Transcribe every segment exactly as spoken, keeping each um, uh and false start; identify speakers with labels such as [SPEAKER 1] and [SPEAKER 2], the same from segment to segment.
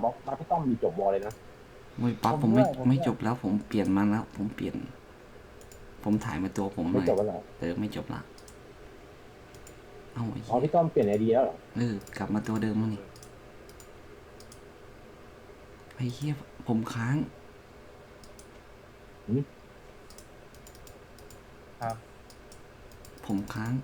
[SPEAKER 1] บล็อกมาพี่ต้อมมีจบบอลเลยนะ
[SPEAKER 2] ไม่ปั๊บผมไม่ไม่จบแล้วผมเปลี่ยนมาแล้วผมเปลี่ยนผมถ่ายมาตัวผมห
[SPEAKER 1] ไม่
[SPEAKER 2] น่อย
[SPEAKER 1] จบแล้วเหรอ
[SPEAKER 2] เออไม่จบละเอาไอ้
[SPEAKER 1] อ๋อ
[SPEAKER 2] เหี้ย
[SPEAKER 1] พี่ต้อมเปลี่ยนไอเดียแล้วเหรอ
[SPEAKER 2] เออกลับมาตัวเดิมแล้วนี่ไอ้เหี้ยผมค้าง
[SPEAKER 3] ครับ
[SPEAKER 2] ผมค้าง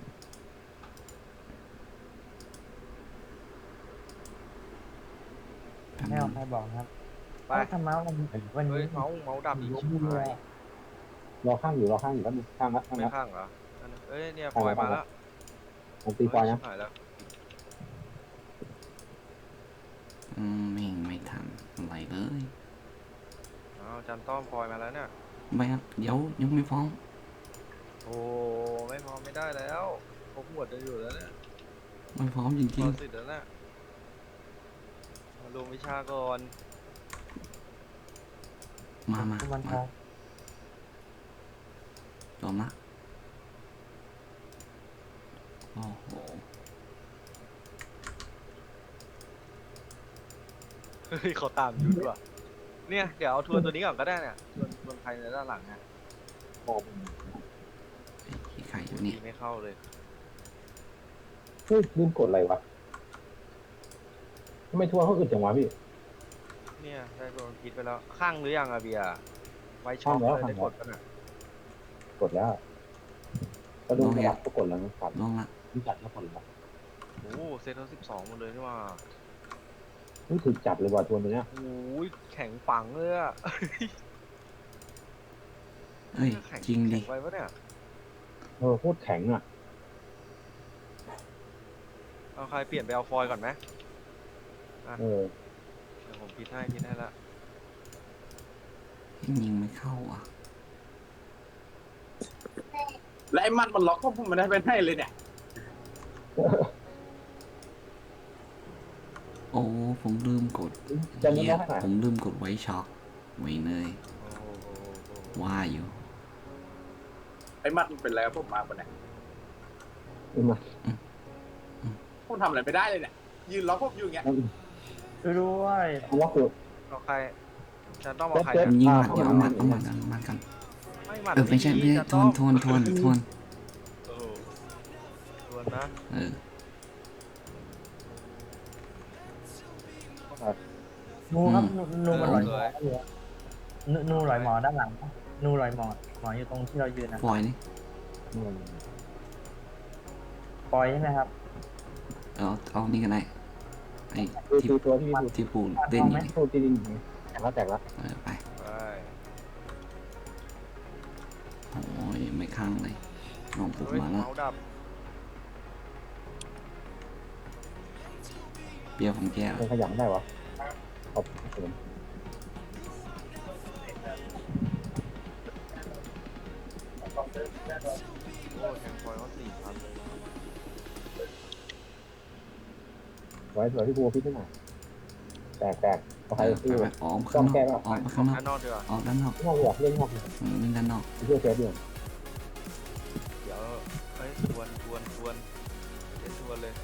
[SPEAKER 2] แป๊บ
[SPEAKER 3] ไม่
[SPEAKER 2] นึ
[SPEAKER 3] เอา
[SPEAKER 2] ง
[SPEAKER 3] ใครบอกครับ
[SPEAKER 4] ไป
[SPEAKER 3] เอ้าทำเมาส์วันวัน
[SPEAKER 4] เฮ้
[SPEAKER 3] นี้
[SPEAKER 4] ยเมาส์เมาส์ดับอีก
[SPEAKER 3] ล้
[SPEAKER 4] ชิ
[SPEAKER 3] ม
[SPEAKER 4] บ
[SPEAKER 3] เล
[SPEAKER 4] หาย
[SPEAKER 3] ย
[SPEAKER 1] รอข้างอยู่รอข้างอยู่แล้วข้างละข้าง
[SPEAKER 4] ไม่
[SPEAKER 1] ละ
[SPEAKER 4] ข้างเหรออันนั้นเอ้ยเนี่ยปล่อยมาแล้ว
[SPEAKER 1] มันตีฟอยนะ
[SPEAKER 4] เฮ้ยชิบหายแล้ว
[SPEAKER 2] อืมไม่ไม่ทันอะไรเลย
[SPEAKER 4] อ้าวจันต้อมปล่อยมาแล้วเนี่ย
[SPEAKER 2] ไม่ครับเดี๋ยวยังไม่ฟ้อง
[SPEAKER 4] โอ้ไม่พอไม่ได้แล้วพกหมวดจะอยู่แล้วเนี่ย
[SPEAKER 2] ไม่ฟ้องจ
[SPEAKER 4] พ
[SPEAKER 2] ริ
[SPEAKER 4] อง สิทธิ์แล้วเนี่ยมาลงวิชาก่อน
[SPEAKER 2] ๆมามา
[SPEAKER 3] คุณวันท
[SPEAKER 2] มา
[SPEAKER 3] อง
[SPEAKER 2] ยอมละโอ้โห
[SPEAKER 4] เฮ้ยเขาตามอยู่ด้วยเนี่ยเดี๋ยวเอาทวนตัวนี้ก่อนก็ได้เนี่ยทวนทวนใครในด้านหลังเนี่ย
[SPEAKER 1] บอล
[SPEAKER 2] ไอ้ขี้ไข่อยู่นี่
[SPEAKER 4] ตีไม่เข้าเลย
[SPEAKER 1] เฮ้ยลืมกดอะไรวะทำไมทัวร์เขาอึดจังวะพี่
[SPEAKER 4] เนี่ยได้โดนคิดไปแล้วข้างหรือยังอะเบียร์ไว้ช็อปเลยได้กดกันอ่ะ
[SPEAKER 1] กดแล้วก็ดูระดับก็กดแล้วนะครับ
[SPEAKER 2] ลงละ
[SPEAKER 1] รู้จักแล้วกดแล้ว
[SPEAKER 4] โอ้เซตทั้งสิบสองหมดเลยนี่ว่า
[SPEAKER 1] นี่ถูกจับเลยว่ะทัวร์ตัวเนี้ย
[SPEAKER 4] โอ้ยแข็งปังเลยอะ
[SPEAKER 2] เอ้ย
[SPEAKER 4] แข็
[SPEAKER 2] จริงดิ
[SPEAKER 4] แข็ไว้ปะเนี่ย
[SPEAKER 1] เออโคตรแข็งอ่ะ
[SPEAKER 4] เอาใครเปลี่ยนไปเอาฟอยล์ก่อนไหม
[SPEAKER 1] เออ
[SPEAKER 4] เดี๋ยวผมพิดให้พิดให้ละ
[SPEAKER 2] ยิงไม่เข้าอ่ะ
[SPEAKER 5] และไอ้มันมันล็อกก็ผมไม่ได้ไปให้เลยเนี่ย
[SPEAKER 2] โอ้ผมลืมกด
[SPEAKER 1] จะเล่น
[SPEAKER 2] เหี้ย
[SPEAKER 1] ได้เท่าไหร่
[SPEAKER 2] ผมลืมกดไว้ช็อคไว้เนย
[SPEAKER 4] โอ้โหโอ้โหโอ้โห
[SPEAKER 2] ว่าอยู่
[SPEAKER 5] ไอ้มันมันเป็นอะไรกับผมมาปะเนี่ย
[SPEAKER 1] เอามา
[SPEAKER 5] ผมทำอะไรไม่ได้เลยเนี่ยยืนล็อกผมอยู่อย่างเงี้ย
[SPEAKER 3] ช่วยด้วย
[SPEAKER 1] เอาล็อกคือ
[SPEAKER 4] เอาใครจะต้องเอาใคร
[SPEAKER 1] เซ็ต
[SPEAKER 4] นะ
[SPEAKER 2] ยิง
[SPEAKER 1] อ่า
[SPEAKER 2] หมัดเดี๋ยวเอาหมัด
[SPEAKER 1] เอา
[SPEAKER 2] เอาห
[SPEAKER 1] หมั
[SPEAKER 2] มัด
[SPEAKER 1] ด
[SPEAKER 2] เอาหมัดกัน
[SPEAKER 4] ไม่หมัด
[SPEAKER 2] เออไม่ใช่ไม่ใช่
[SPEAKER 4] จะ
[SPEAKER 2] ท
[SPEAKER 4] ต้
[SPEAKER 2] ว
[SPEAKER 4] อน ง
[SPEAKER 2] ทวนทวนทวน
[SPEAKER 4] โอ้โหทวนนะ
[SPEAKER 2] เออ
[SPEAKER 3] นูครับนูนูมัน
[SPEAKER 2] เออ
[SPEAKER 3] ลอยหมออยู่นูนูลอยหมอด้านหลังปะนูลอยหมอหมออยู่ตรงที่เรายืนนะ
[SPEAKER 2] ปล่อยนี่
[SPEAKER 1] อืม
[SPEAKER 3] ปล่อยใช่ไหมครับ
[SPEAKER 2] เอาเอานี่กันได้ไอ้
[SPEAKER 1] คือ
[SPEAKER 2] ที่
[SPEAKER 1] คือตัวที่พี่
[SPEAKER 2] ที่ปูเล่นอยู่นี่
[SPEAKER 1] โทษที่ดินแตกแล้วแตกแล้ว
[SPEAKER 2] เออไป
[SPEAKER 4] ไป
[SPEAKER 2] โอ้ยไม่ข้างเลยลองปลุก
[SPEAKER 4] เฮ้ย
[SPEAKER 2] มาแล้ว
[SPEAKER 4] เมาส์ดับ
[SPEAKER 2] เปรี้ยวของแก้ว
[SPEAKER 1] มันขยันได้วะขอบคุณ
[SPEAKER 4] โอ้แทงฟอยล์เขาสี่พันเลย
[SPEAKER 1] ไว้สวยที่บัวพิษนิดหน่อยแตกแตกเอาใคร
[SPEAKER 2] ไป
[SPEAKER 1] ซื้อ
[SPEAKER 2] ไปออกข้างนอกออกไปข้างนอก
[SPEAKER 4] ด้านนอกดีกว่า
[SPEAKER 2] ออกด้านนอก
[SPEAKER 1] นอกหัวเล่นนอก
[SPEAKER 2] อืมเล่นด้านนอก
[SPEAKER 1] เพื่อเซฟเดียว
[SPEAKER 4] เดี๋ยวเฮ้ยทวนทวนทวนเดี๋ยวทวนเลย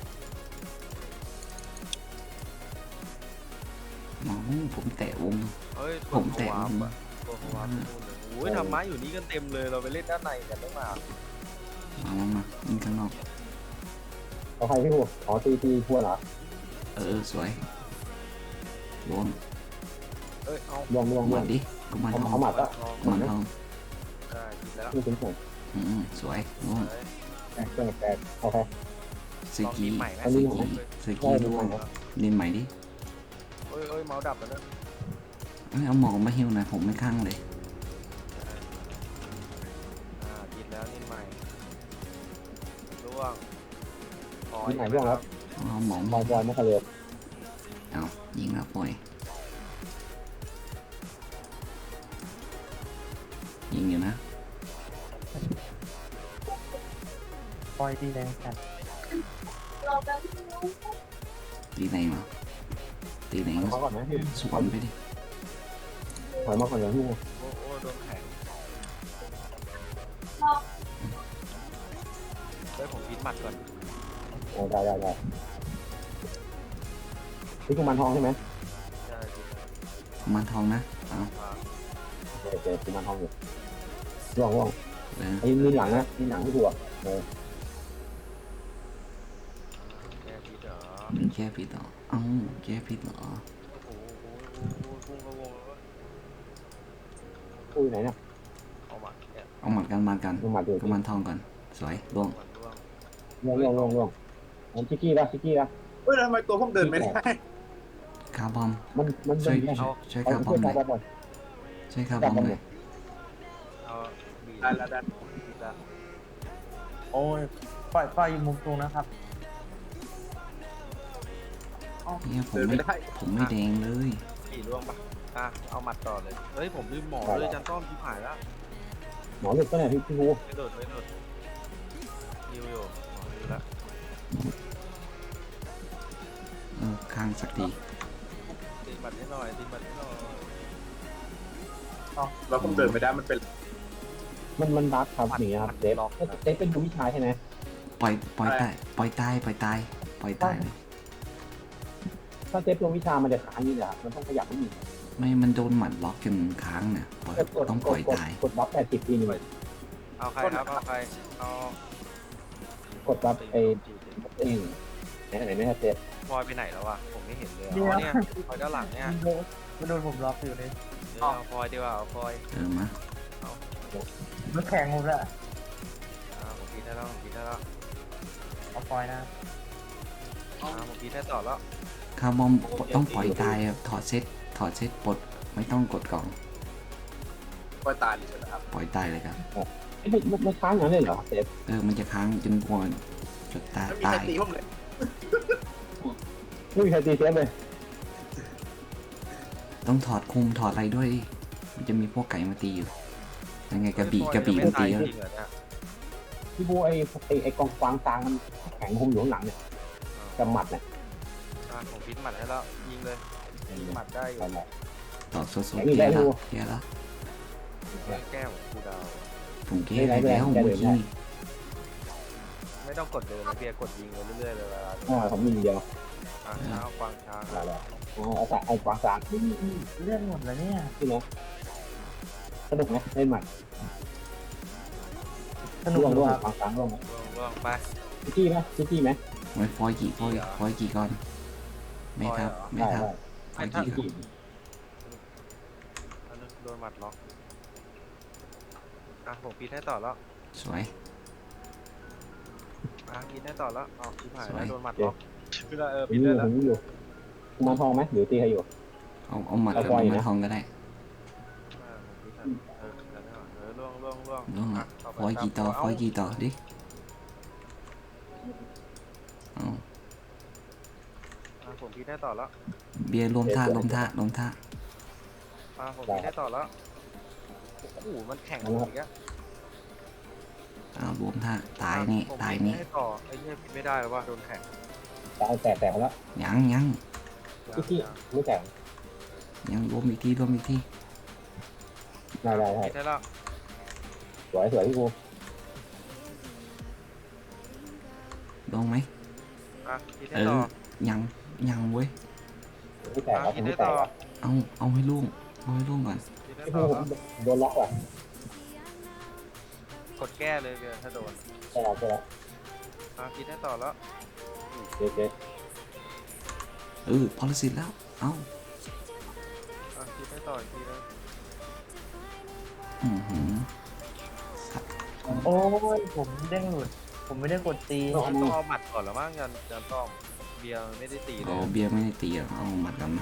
[SPEAKER 2] อ๋อผมแตะวง
[SPEAKER 4] เฮ้ยท
[SPEAKER 2] ผ
[SPEAKER 4] วน
[SPEAKER 2] มแตะ
[SPEAKER 4] วาว
[SPEAKER 2] ง
[SPEAKER 4] อะทวนวาร์ปนู่นเลยโอ้ยทำไม้อยู่นี่กันเต็มเลยเราไปเล่นด้านในกันได้มา
[SPEAKER 2] มามามาเล่นข้างนอก
[SPEAKER 1] เอาใครพี่บัวอ๋อตีตีทัวร์เหรอ
[SPEAKER 2] เออสวยโดน
[SPEAKER 4] เอ้ยเอา
[SPEAKER 1] ลวงลวงล
[SPEAKER 2] ห
[SPEAKER 1] ว
[SPEAKER 2] มั
[SPEAKER 1] ง
[SPEAKER 2] ดดิกุมาร
[SPEAKER 1] เอา
[SPEAKER 2] ทอง
[SPEAKER 1] เอาหมัดละ
[SPEAKER 4] ทอง
[SPEAKER 2] กุมารทอง
[SPEAKER 4] ได้ผิดแล้ว
[SPEAKER 1] นี่เป็นผม
[SPEAKER 2] อืมสวยโดน
[SPEAKER 4] เฮ้ย
[SPEAKER 1] แตกแตกแตกเอาใคร
[SPEAKER 2] ส
[SPEAKER 4] ลอง
[SPEAKER 2] กี
[SPEAKER 4] ทีมใหม่ไหม
[SPEAKER 1] อันนี้
[SPEAKER 2] สกีสกีด้วยเล่นใหม่ดิ
[SPEAKER 4] เอ้ยเอ้ยเมาส์ดับแล้วนะ
[SPEAKER 2] เอ้ยเอาหมอกมาฮิวหน่อยผมไม่ข้างเลย
[SPEAKER 4] อ่าผิดแล้วนี่ใหม่ร่วงขอ
[SPEAKER 1] ที่ไหนร่วงครับ
[SPEAKER 2] เอาหมอก
[SPEAKER 1] บอลบอลไม่เคยเลย
[SPEAKER 2] เอายิงแล้วปล่อยยิงอยู่นะ
[SPEAKER 3] ปล่อยดีแรงจัด
[SPEAKER 2] ตีไหนมาตีไหน
[SPEAKER 1] เขาก่อนนะพี่
[SPEAKER 2] สวนไปดิ
[SPEAKER 1] ถอยมาก่อนอย่างพี่บัว
[SPEAKER 4] โอ้โอ้โดนแข็งเฮ้ยผมพิดหมัดก่อน
[SPEAKER 1] ได้ได้ได้พี่กุมารทองใช่ไหม
[SPEAKER 4] ใช่ใ
[SPEAKER 2] กุมารทองนะเอา
[SPEAKER 4] อ่า
[SPEAKER 1] เจอเจอกุมารทองอยู่ร่วงร่วง
[SPEAKER 2] เลย
[SPEAKER 1] ไอ้มีหลังนะมีหลังที่ดูอ่ะเออ
[SPEAKER 4] แก้พิษเหรอ
[SPEAKER 2] แก้ผิดเหรอเอ้าแก้ผิดเหรอ
[SPEAKER 4] โอ้โหโอ้โหพุ่งเข้าวงแล้วเว้ย
[SPEAKER 1] อุ้ยไหนเนี่ย
[SPEAKER 4] เอาหมัดเนี่ย
[SPEAKER 2] เอาหมัดกันมากัน
[SPEAKER 1] ลงมาดู
[SPEAKER 2] กุมารทองก่อนสวยล่วง
[SPEAKER 4] หมัดร่วง
[SPEAKER 1] ร่วงร่วงร่วงร่วงมันชิกกี้ละชิกกี้ละ
[SPEAKER 5] เฮ้ยทำไมตัวผมเดินไม่ได้
[SPEAKER 2] คาร์บอม
[SPEAKER 1] มันมัน
[SPEAKER 2] ช่วย
[SPEAKER 1] มัน
[SPEAKER 2] ช่วยช่วย
[SPEAKER 1] เอา
[SPEAKER 2] คาร์บอ
[SPEAKER 1] ช่ว
[SPEAKER 2] ม
[SPEAKER 1] ย
[SPEAKER 2] หน่
[SPEAKER 1] ตา
[SPEAKER 2] อย
[SPEAKER 1] บอล
[SPEAKER 2] ช่วยคาร์บอมหน่อย
[SPEAKER 4] เอาบีบ
[SPEAKER 5] ได้แล้วได้
[SPEAKER 4] บีบละ
[SPEAKER 3] โอ้ยปล่อยปล่อยอยู่มุมตรงนะครับ
[SPEAKER 2] เนี่ยผม
[SPEAKER 5] เดิน
[SPEAKER 2] ไม่
[SPEAKER 5] ไม่ได้
[SPEAKER 2] ผมไม่แดงเลย
[SPEAKER 4] บีบร่วงปะอ่ะเอาหมัดต่อเลยเฮ้ยผมลืมหมอเลยจันต้อมชิบหายแล้ว
[SPEAKER 1] หมอหลุดก็เนี่ยพี่พี่กู
[SPEAKER 4] ไม่โดดไม่โดดยิวอยู่หมอยิวแล้ว
[SPEAKER 2] เออข้างสักที
[SPEAKER 4] ตีหมัดให้หน่อยตีหมัดให้หน่อย
[SPEAKER 5] แล้วผมเดินไม่ได้มันเป็น
[SPEAKER 1] มันมันรัดครับอย่างเงี้ยครับเซฟเซฟเป็นดูวิชาใช่ไหม
[SPEAKER 2] ปล่อยปล่อยตายปล่อยตายปล่อยตายปล่อยตายเลย
[SPEAKER 1] ถ้าเซฟลงวิชามันจะค้างนี่แหละมันต้องขยับนิดนึง
[SPEAKER 2] ไม่มันโดนหมัดล็อกจนค้างเนี่ยปล่อย
[SPEAKER 1] กดกด
[SPEAKER 2] ต้อง
[SPEAKER 1] ก
[SPEAKER 2] ปล่
[SPEAKER 1] ด
[SPEAKER 2] อย
[SPEAKER 1] กด
[SPEAKER 2] ตาย
[SPEAKER 1] กดบัฟแปดสิบทีนึง
[SPEAKER 4] เอาใครครับเอาใครเอา
[SPEAKER 1] กดบัฟไอ้เองไหนไหนไม่ใช่เซฟ
[SPEAKER 4] พลอยไปไหนแล้ววะผมไม่เห็นเลย
[SPEAKER 3] เดี๋ยว
[SPEAKER 4] อ๋อเนี่ยพลอยด้านหลังเนี่ย
[SPEAKER 3] มันโดนมันโดนผมล็อกอยู่เลย
[SPEAKER 4] เดี๋ยวเอาพลอยดีกว่าเอาพลอย
[SPEAKER 2] เออมา
[SPEAKER 3] มันแข็งหมดแล้ว
[SPEAKER 4] อ่าผมพีได้แล้วผมพีได้แล้ว
[SPEAKER 3] เอาปล่อยนะ
[SPEAKER 4] อ่าผมพีได้ต่อแล้ว
[SPEAKER 2] คาร์บอมต้องปล่อยตายอะถอดเซตถอดเซตปลดไม่ต้องกดกล่อง
[SPEAKER 5] ปล่อยตายเลยใช่ไหมครับ
[SPEAKER 2] ปล่อยตายเลยครับ
[SPEAKER 1] ไม่ไม่ไม่ค้างอย่างนั้นเลยเหรอเซฟ
[SPEAKER 2] เออมันจะค้างจนกว่าจนตาย
[SPEAKER 5] ไม่มีใคร
[SPEAKER 2] ตาย
[SPEAKER 5] ตีผมเลย
[SPEAKER 1] ไม่มีใครตีเซฟเลย
[SPEAKER 2] ต้องถอดคุมถอดอะไรด้วยดิมันจะมีพวกไก่มาตีอยู่ยังไงกระบี่กระบี่
[SPEAKER 4] ไม่
[SPEAKER 2] มา
[SPEAKER 4] ตา
[SPEAKER 2] ตี
[SPEAKER 4] ย
[SPEAKER 2] แล้ว
[SPEAKER 4] จริงเหรอเนี่ย
[SPEAKER 1] พี่บูไอ้ไอ้ไอ้กองฟางกลางมันแข็งคมอยู่ข้างหลังเนี่ยกำหมัดเนี่ย
[SPEAKER 4] อ่าผมพิษหมัดให้แล้วยิงเลยหมัดได้อยู่
[SPEAKER 1] นั่นแหละ
[SPEAKER 2] ต่อโซโซ
[SPEAKER 1] แข็งอีก
[SPEAKER 2] แย่
[SPEAKER 1] แล้ว
[SPEAKER 2] แล้ว
[SPEAKER 1] ดู
[SPEAKER 2] แย่แล้ว
[SPEAKER 4] แก้ของกูดาว
[SPEAKER 2] ผมแก้ไปแล้วเมื่อกี้
[SPEAKER 4] ไม่ต้องกดเลยนะเบียร์กดยิงไปเรื่อยๆเลยเวลา
[SPEAKER 1] อ่าผมมีเดียว
[SPEAKER 4] อ่าช้างกวางช้าง
[SPEAKER 1] อะไรอ๋อเอาแต่ไอ้กวางกลาง
[SPEAKER 3] เลื่อนหมดแล้วเนี่ย
[SPEAKER 1] พี่เนาะสนุกไหมเล่นหมัด
[SPEAKER 3] สนุก
[SPEAKER 1] ร่วง
[SPEAKER 3] ดี
[SPEAKER 1] ร่วง
[SPEAKER 3] ครับ
[SPEAKER 1] กวางกลางร่วงไหม
[SPEAKER 4] ล่วงๆไป
[SPEAKER 1] ชิกกี้ไหมชิกกี้ไหม
[SPEAKER 2] ไว้ฟอยกี่ฟอยฟอยกี่ก่อนไม่ครับไม่
[SPEAKER 1] ได้
[SPEAKER 2] ครับ
[SPEAKER 1] ได้
[SPEAKER 2] ฟอย
[SPEAKER 1] ชิ
[SPEAKER 2] กี่
[SPEAKER 1] กกี้
[SPEAKER 4] อันนั้นโดนหมัดล็อกอ่ะผมพีทให้ต่อแล้ว
[SPEAKER 2] สวย
[SPEAKER 4] อ่ะพีทให้ต่อแล้วอ๋อชิบหาย
[SPEAKER 2] สว
[SPEAKER 4] แล้ว
[SPEAKER 2] ย
[SPEAKER 4] โดนหมัดล็อกพีทได้เออ
[SPEAKER 1] ผม
[SPEAKER 4] พีท
[SPEAKER 1] อ
[SPEAKER 4] ได้
[SPEAKER 1] ยู่
[SPEAKER 4] แล้ว
[SPEAKER 1] ผมอยู่กุมารทองไหมหรือตีใครอยู่
[SPEAKER 2] เอาเอาหมัด
[SPEAKER 1] เอา
[SPEAKER 2] กับ
[SPEAKER 1] ฟอย
[SPEAKER 2] กุ
[SPEAKER 1] นะ
[SPEAKER 2] มารทองก็ได้
[SPEAKER 4] อ่าผมพีทให้เออแล้วเนี่ยเออล่วงล่วงล่วง
[SPEAKER 2] ล่วง
[SPEAKER 4] อ่ะ
[SPEAKER 2] อ่ะ
[SPEAKER 4] ต่ไป
[SPEAKER 2] ฟอยกี่ต่อ
[SPEAKER 4] ตาม
[SPEAKER 2] ฟอยกี่ต่อดิเอา
[SPEAKER 4] อ่ะผมพีทให้ต่อแล้ว
[SPEAKER 2] เบียร์รวมท่ารวมท่ารวมท่า
[SPEAKER 4] อ่ะผมพีทให้ต่อแล้วโอ้โหมันแข่งกันอีกแล้ว
[SPEAKER 2] เอารวมท่าตายนี่
[SPEAKER 4] ผม
[SPEAKER 2] ตาย
[SPEAKER 4] พีท
[SPEAKER 2] นี่
[SPEAKER 4] ให้ต่อไอ้เหี้ยพีทไม่ได้แล้วว่าโดนแข่ง
[SPEAKER 1] ตายแตกแตกแล้ว
[SPEAKER 2] ยังยัง
[SPEAKER 1] ชิกกี้ไม่แตก
[SPEAKER 2] ยังรวมอีกทีรวมอีกที
[SPEAKER 1] ได้ได้ได้
[SPEAKER 4] พีทได้แล้ว
[SPEAKER 1] สวยสวยพี่บู
[SPEAKER 2] ลงไหม
[SPEAKER 4] อ่ะพีท
[SPEAKER 2] เอ
[SPEAKER 4] ให้ต่อ
[SPEAKER 2] อยังยังเว้ย
[SPEAKER 1] ไม่แตก
[SPEAKER 4] อ่ะ
[SPEAKER 1] แล้วผ
[SPEAKER 4] พี
[SPEAKER 1] ม
[SPEAKER 4] ท
[SPEAKER 1] ไม่
[SPEAKER 4] ให้
[SPEAKER 1] แต
[SPEAKER 4] ต่
[SPEAKER 1] ก
[SPEAKER 4] อ
[SPEAKER 1] แล้ว
[SPEAKER 2] เอาเอาให้ล่วงเอาให้ล่วงก่อน
[SPEAKER 4] พีทให้
[SPEAKER 1] พี่
[SPEAKER 4] ต่
[SPEAKER 1] บู
[SPEAKER 4] อ
[SPEAKER 1] ผ
[SPEAKER 4] แล้ว
[SPEAKER 1] มโดนล็อกว่ะ
[SPEAKER 4] กดแก้เลยเบียร์ถ้าโดน
[SPEAKER 1] ใช่แล้วใช่แล้ว
[SPEAKER 4] อ่ะพีทให้ต่อแล้ว
[SPEAKER 1] เจ๊เจ๊
[SPEAKER 2] เออพอลสิทธิ์แล้วเอา
[SPEAKER 4] อ่ะพีทให้ต่ออีกทีนึง
[SPEAKER 2] อือหือสัตว์
[SPEAKER 3] โอ้ยผมเด้งหลุด ผมไม่ได้กดตี
[SPEAKER 4] ต้องต้องเอาหมัดก่อนแล้วมั้งยันยันต้องเบียร์ไม่ได้ตีเล
[SPEAKER 2] เอา
[SPEAKER 4] ย
[SPEAKER 2] เบียร์ไม่ได้ตีหรอกเอาหมัดกันมา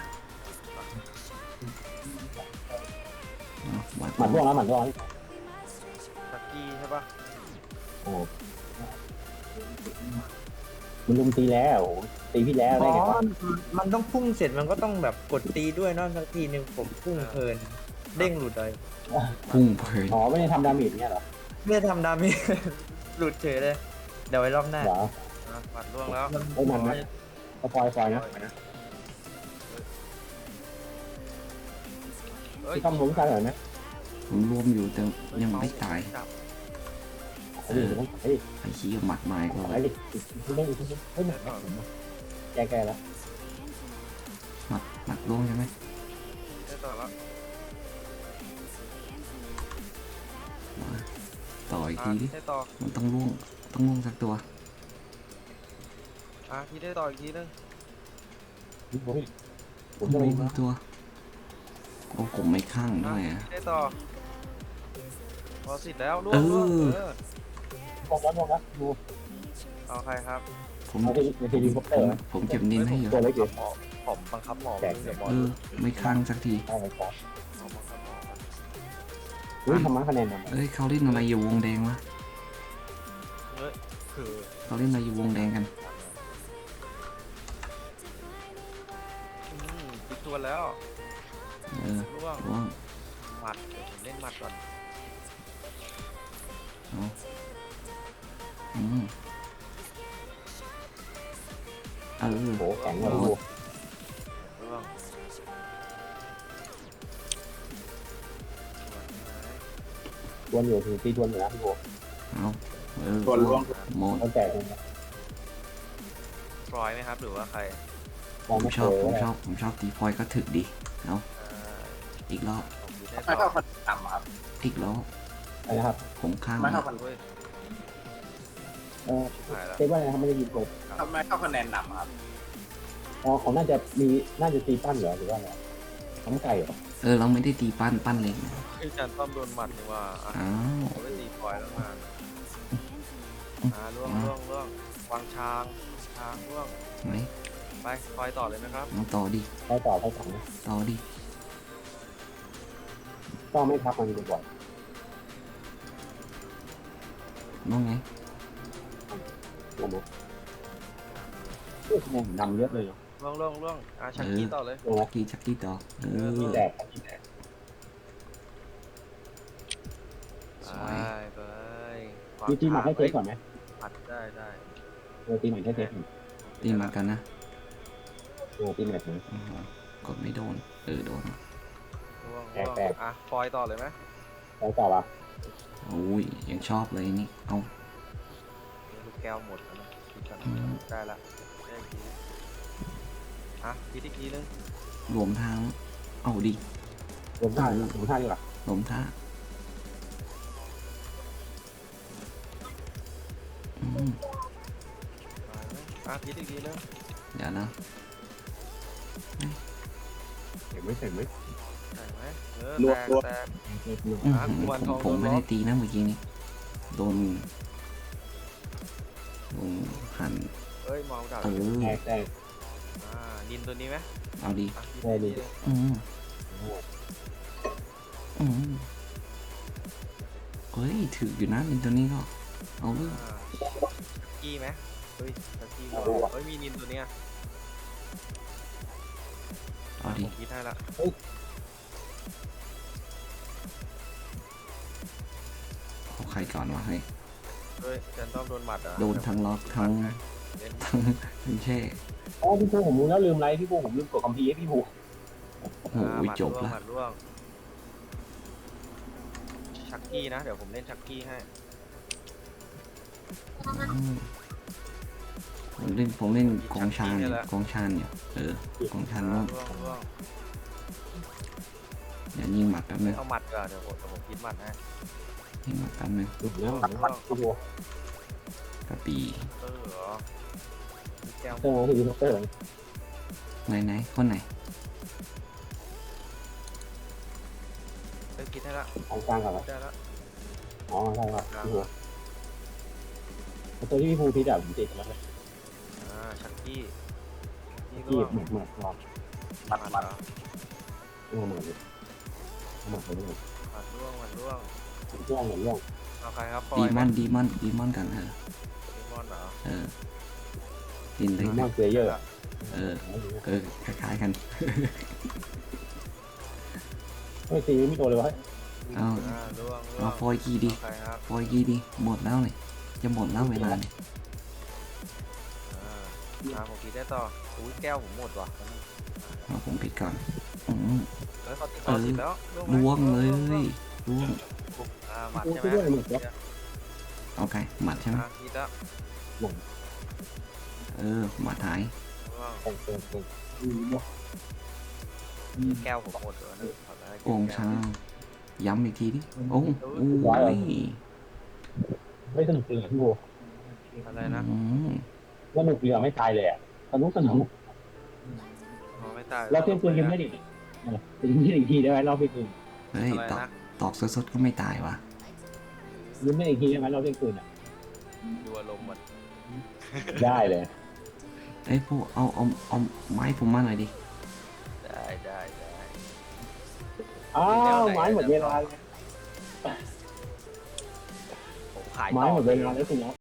[SPEAKER 2] เอาหมัด
[SPEAKER 1] หมัดร่วงแล้วหมัดร่วงแล้ว
[SPEAKER 4] ชักกี้ใช่ปะ
[SPEAKER 1] โอ้มันลุมตีแล้วตีพี่แล้ว
[SPEAKER 3] อ๋
[SPEAKER 1] ได้
[SPEAKER 3] อ
[SPEAKER 1] ไงวะ
[SPEAKER 3] มันต้องพุ่งเสร็จมันก็ต้องแบบกดตีด้วยเนอะสักทีหนึ่งผมพุ่งเพลิน เด้งหลุดเลย
[SPEAKER 2] พุ่งเพลิน
[SPEAKER 1] อ๋อไม่ได้ทำดาเมจเนี่ยเหรอ
[SPEAKER 3] ไม่ได้ทำดาเมจ หลุดเฉยเลย เดี๋ยวไว้รอบหน้า
[SPEAKER 1] เหรอ
[SPEAKER 4] อ่ะหมัดล่วงแล้ว
[SPEAKER 1] เอ้ยมันนะเอาฟอยฟอยนะ
[SPEAKER 4] เอ้ย
[SPEAKER 1] พี่ต้อมล้มกันเหรอนะ
[SPEAKER 2] ผมรวมอยู่แต่ยังไม่ตาย
[SPEAKER 4] จับ
[SPEAKER 1] ไอ้ดิต้องไอ้ดิ
[SPEAKER 2] ไอ้ขี้ยหมัดไม้ก็
[SPEAKER 1] ไอ้ดิคุณเล่นอีกทีเฮ้ยหมัดแกแกแล้ว
[SPEAKER 2] หมัดหมัดร่วงใช่ไหม
[SPEAKER 4] ได้ต่อแล้ว
[SPEAKER 2] มาต่ออีก
[SPEAKER 4] อ่ะ
[SPEAKER 2] ทีดิ
[SPEAKER 4] ได้ต่อ
[SPEAKER 2] มันต้องล่วงต้องล่วงสักตัว
[SPEAKER 4] อ่ะพี่ได้ต่ออีกทีนึง
[SPEAKER 1] ผมผม
[SPEAKER 2] ต้
[SPEAKER 1] จะ
[SPEAKER 2] อง
[SPEAKER 1] ไป
[SPEAKER 2] ล่วงสักตัวโอ้ผมไม่ข้าง
[SPEAKER 4] อ่ะ
[SPEAKER 2] ด้วยอ่ะ
[SPEAKER 4] พี่ได้ต่อพอสิทธิ์แล้วล่ว
[SPEAKER 2] เอง
[SPEAKER 4] ล่วง
[SPEAKER 2] อ
[SPEAKER 4] เออ
[SPEAKER 1] บอกแล้วบอกแล้วดู
[SPEAKER 4] เอาใครครับ
[SPEAKER 2] ผม
[SPEAKER 1] ในทีในทีวีคอปเต
[SPEAKER 2] ผ
[SPEAKER 1] อร์
[SPEAKER 2] มผมเก็บนินให้อยู่
[SPEAKER 1] ตัวเล็กอยู่
[SPEAKER 4] หมอผมบังคับหมอ
[SPEAKER 1] แจก
[SPEAKER 4] เดี๋ยวหมอ
[SPEAKER 2] เออไม่ข้างสักที
[SPEAKER 1] เอาไปก่อน
[SPEAKER 4] หมอบังคับหมอก่อน
[SPEAKER 1] อุ้ยทำมาคะแนนนำ
[SPEAKER 2] เอ้ยเขาเล่นอะไรอยู่วงแดงวะ
[SPEAKER 4] เฮ้ยคือ
[SPEAKER 2] เขาเล่นอะไรอยู่วงแดงกัน
[SPEAKER 4] อืมปิดตัวแล้ว
[SPEAKER 2] เออ
[SPEAKER 4] ล่วง
[SPEAKER 2] ล่วง
[SPEAKER 4] หมัดเดี๋ยวผมเล่นหมัดก่อน
[SPEAKER 2] เอาอืมเออ
[SPEAKER 1] โหแข็งเลยดู
[SPEAKER 4] ล่วงสวยไหม
[SPEAKER 1] ทวนอยู่ถึงตีทวนอยู่นะพี่โบ
[SPEAKER 2] เอาเออ
[SPEAKER 5] ตัวล่วง
[SPEAKER 2] หมด
[SPEAKER 1] ตั้งแต่ตรงนี้
[SPEAKER 4] ฟลอยไหมครับหรือว่าใคร
[SPEAKER 1] มอง
[SPEAKER 2] ผม
[SPEAKER 1] ไม่
[SPEAKER 2] ช
[SPEAKER 1] เค
[SPEAKER 2] อบ
[SPEAKER 1] ย
[SPEAKER 2] ผมชอบผมชอบตีพลอยก็ถึกดีเอา
[SPEAKER 4] อ่า
[SPEAKER 2] อีกรอบ
[SPEAKER 4] ผมดูได้
[SPEAKER 5] ไม่
[SPEAKER 4] ต่
[SPEAKER 5] เข้า
[SPEAKER 4] อ
[SPEAKER 5] คะแนนต่ำครับ
[SPEAKER 2] อีกรอบ
[SPEAKER 1] อะไรนะครับ
[SPEAKER 2] ผมข้าง
[SPEAKER 5] ไม่เข้า
[SPEAKER 2] ละ
[SPEAKER 5] คะแนน
[SPEAKER 4] เว้ย
[SPEAKER 1] เออ
[SPEAKER 4] หายแล้ว
[SPEAKER 1] เรียกว่าอะไรนะครับไม่ได้ยินผม
[SPEAKER 5] ทำไมเข้าคะแนนต่ำครับ
[SPEAKER 1] อ๋อเขาน่าจะมีน่าจะตีปั้นเหรอหรือว่าอะไรทำไก่เหรอ
[SPEAKER 2] เออเราไม่ได้ตีปั้นปั้นเล็กนะ
[SPEAKER 4] ไอ้ยจานต้อมโดนหมัดนี่ว่าอ่ะ
[SPEAKER 2] อ้าว
[SPEAKER 4] ผมได้ตีฟลอยแล้วมาอ่าล่วงล่วงล่วงวางช้างช้างล่วง
[SPEAKER 2] ไหน
[SPEAKER 4] ไปฟลอยต่อเลยนะครับ
[SPEAKER 2] เอาต่อดิ
[SPEAKER 1] ให้ต่อให้ต่อนะ
[SPEAKER 2] ต่อดิ
[SPEAKER 1] ก็ไม่พักมันบ่อย
[SPEAKER 2] น้องไง
[SPEAKER 1] ๆลงมาโอ้คะแนนนำเยอะเลยเนาะ
[SPEAKER 4] ล่วงล่วงล่วงอ่ะชักกี้ต่อเลย
[SPEAKER 1] ลงมา
[SPEAKER 2] ตีชักกี้ต่อเออ
[SPEAKER 1] มีแดกมีแดก
[SPEAKER 2] ส
[SPEAKER 4] ไป
[SPEAKER 2] วย
[SPEAKER 4] ไป
[SPEAKER 1] มีตีหมัดให้เทสก่อนไหม
[SPEAKER 4] หมัดได้ได้
[SPEAKER 1] เออตีหมัดให้เทสก่อน
[SPEAKER 2] ตีมากันนะ
[SPEAKER 1] เออตีหมัดนะ
[SPEAKER 2] โอ้โหกดไม่โดนเออโดน
[SPEAKER 4] ล่วง
[SPEAKER 1] แต
[SPEAKER 4] ล่
[SPEAKER 1] ก
[SPEAKER 4] วง
[SPEAKER 1] แตก
[SPEAKER 4] อ่ะฟลอยต่อเลยไหม
[SPEAKER 1] แล้วต่อป่ะ
[SPEAKER 2] โอ้ยยังชอบเลยนี่เอา
[SPEAKER 4] ลูกแก้วหมดแล้วนะคิดก่อน
[SPEAKER 2] อืม
[SPEAKER 4] ได้ละได้อีกทีอ่ะคิดอีกทีนึง
[SPEAKER 2] รวมทางเอาดิ
[SPEAKER 1] รวมท่ารวมท่าดีกว่า
[SPEAKER 2] รวมท่าอืม
[SPEAKER 4] มาไหมอ่ะคิดอีกทีนึง
[SPEAKER 2] เดี๋ยวนะ
[SPEAKER 1] เห็นไหมเห็นไหม
[SPEAKER 4] ได้ไหมเออ
[SPEAKER 5] รว
[SPEAKER 4] แต
[SPEAKER 5] บ
[SPEAKER 4] ก
[SPEAKER 5] รวบ
[SPEAKER 4] แตก
[SPEAKER 2] อื้อหือ
[SPEAKER 4] อ่ะกุมาร
[SPEAKER 2] ผ
[SPEAKER 4] ท
[SPEAKER 2] ม
[SPEAKER 4] อง
[SPEAKER 2] ผมไม่
[SPEAKER 4] โดนล็
[SPEAKER 2] ได้
[SPEAKER 4] อก
[SPEAKER 2] ตีนะเมื่อกี้นี้โดนโดนหัน
[SPEAKER 4] เอ้ยมองกับ
[SPEAKER 2] เออ
[SPEAKER 1] แตกแตก
[SPEAKER 4] อ่านินตัวนี้ไหม
[SPEAKER 2] เอาดิ
[SPEAKER 4] อ่ะคิด
[SPEAKER 1] ได้ดิ
[SPEAKER 4] อีกทีนึง
[SPEAKER 2] อืมอืมเฮ้ยถืออยู่นะนินตัวนี้ก็เอาเลย
[SPEAKER 4] อ่ากี้ไหมเฮ้ยตะกี้เฮ้ยมีนินตัวเนี้ย
[SPEAKER 2] เอาดิ
[SPEAKER 4] ผมคิดให้ละ
[SPEAKER 2] เอาใครก่อนวะเฮ้ย
[SPEAKER 4] เฮ้ยแจนต้อมโดนหมัดอ่ะ
[SPEAKER 2] โดนทั้งล็อกทั้ง
[SPEAKER 4] เล่น
[SPEAKER 2] ทั้งทั้งแช่
[SPEAKER 1] อ๋อพี่ภูผมรู้แล้วลืมไรพี่ภูผมลืมกดคัมภีร์ให้พี่ภู
[SPEAKER 2] โอ้โห
[SPEAKER 4] อ่าหมัด
[SPEAKER 2] จบ
[SPEAKER 4] ร่วง
[SPEAKER 2] ละ
[SPEAKER 4] หมัดร่วงชักกี้นะ เดี๋ยวผมเล่นชักกี้ให้
[SPEAKER 2] อืมผมเล่นผมเล่นกองชานอยู่กองชานอยู่เออกองชานร่วง
[SPEAKER 4] ร่วงร่วง
[SPEAKER 2] อย่ายิงหมัดแป๊บนึง
[SPEAKER 4] เอาหมัดก่อนเดี๋ยวผมเดี๋ยวผมคิดหมัดให้
[SPEAKER 2] ยิงหมัดแป๊บนึง
[SPEAKER 1] หลุดแล้วหลังมัดพี่ภู
[SPEAKER 2] กระปี
[SPEAKER 4] เออเหรอมีแก้ว
[SPEAKER 1] เออที่ดีเตอร์
[SPEAKER 2] ไหนไหนคนไหน
[SPEAKER 4] เฮ้ยคิดให้ละ
[SPEAKER 1] ของกลางก่อน
[SPEAKER 4] ได้ละ
[SPEAKER 1] อ๋อใช่ครับพี่ภูตัวที่พี่ภูพิจารณาผมติดแล้ว
[SPEAKER 4] อ่าชักกี้ชัก
[SPEAKER 1] ที่
[SPEAKER 4] กี้ร่วง
[SPEAKER 1] เหมือนเหมือนรอ
[SPEAKER 4] หมัดเหรอ
[SPEAKER 1] เออเหมือนเลยเหมือนเลย
[SPEAKER 4] หมัดร่วงหมัดร่วง
[SPEAKER 1] ร่องเหมือนร่อง
[SPEAKER 4] เอาใครครับฟอ
[SPEAKER 2] ดี
[SPEAKER 4] ย
[SPEAKER 2] ม
[SPEAKER 4] ไหม
[SPEAKER 2] อนดีมอนดีมอนกันเออ
[SPEAKER 4] ดีมอนเหรอ
[SPEAKER 2] เออดินเล็ก
[SPEAKER 1] ร่องเพลเยอร์
[SPEAKER 2] เออเออคล้ายๆกัน
[SPEAKER 1] ไม่ตีไม่โดนเลยวะ
[SPEAKER 2] เอา
[SPEAKER 4] อ่าร่วงร่ว
[SPEAKER 2] เอา
[SPEAKER 4] ง
[SPEAKER 2] ฟอยกีดี
[SPEAKER 4] เอาใครครับ
[SPEAKER 2] ฟอยกีดีหมดแล้วเลยจะหมดแล้วเวลาเนี่ย
[SPEAKER 4] อ่าอ่าผมคิดได้ต่ออุ้ยแก้วผมหมดว่ะ
[SPEAKER 2] เอาผมปิดก่อนอืม
[SPEAKER 4] เฮ้ยเขาติดเขาติดแล้วไหม
[SPEAKER 2] ล่วงเลย
[SPEAKER 4] ร่วง
[SPEAKER 2] ล่วง
[SPEAKER 4] อ่าหมัด
[SPEAKER 1] โอ้
[SPEAKER 4] ใช่
[SPEAKER 1] ช่วย
[SPEAKER 4] ไหม
[SPEAKER 1] ด้วยเหมือนกัน
[SPEAKER 2] เอาไงหมัดใช่ไหม
[SPEAKER 4] อ่าคิดแล้ว
[SPEAKER 2] เออหมัดหาย
[SPEAKER 4] ร่วง
[SPEAKER 1] แต่งเติมเติม
[SPEAKER 4] แก้วผมหมดเลยนะขอได้
[SPEAKER 2] โกงชางย้ำอีกทีดิโอ้โอ้ย
[SPEAKER 1] ไม่สนุกจริงอ่ะพี่โบ
[SPEAKER 4] อะไรนะ
[SPEAKER 2] อืม
[SPEAKER 1] สนุกจริงอ่ะไม่ตายเลยอ่ะสนุกสนุก
[SPEAKER 4] อ๋อไม่ตาย
[SPEAKER 1] เราเที่ยงคืนยังไม่ได้ยิงไม่ได้อีกทีได้ไหมเราเที่ยงคืน
[SPEAKER 2] เฮ้ย
[SPEAKER 4] อะไร
[SPEAKER 2] ตอก
[SPEAKER 4] นะ
[SPEAKER 2] ตอกสดๆก็ไม่ตายวะ
[SPEAKER 1] ยิงไม่ได้อีกทีได้ไหมเราเที่ยงคืนอ่ะ
[SPEAKER 4] ดูอารมณ์มัน
[SPEAKER 1] ได้เลย
[SPEAKER 2] เอ้ยพวกเอาเอาเอาไม้ผมมาหน่อยดิ
[SPEAKER 4] ได้ได้ได้
[SPEAKER 1] อ้าวไม้หมดเวลาเลย
[SPEAKER 4] ผมขาย
[SPEAKER 1] ไม้
[SPEAKER 4] ต่อ
[SPEAKER 1] หมดเวลาแล้วสินะ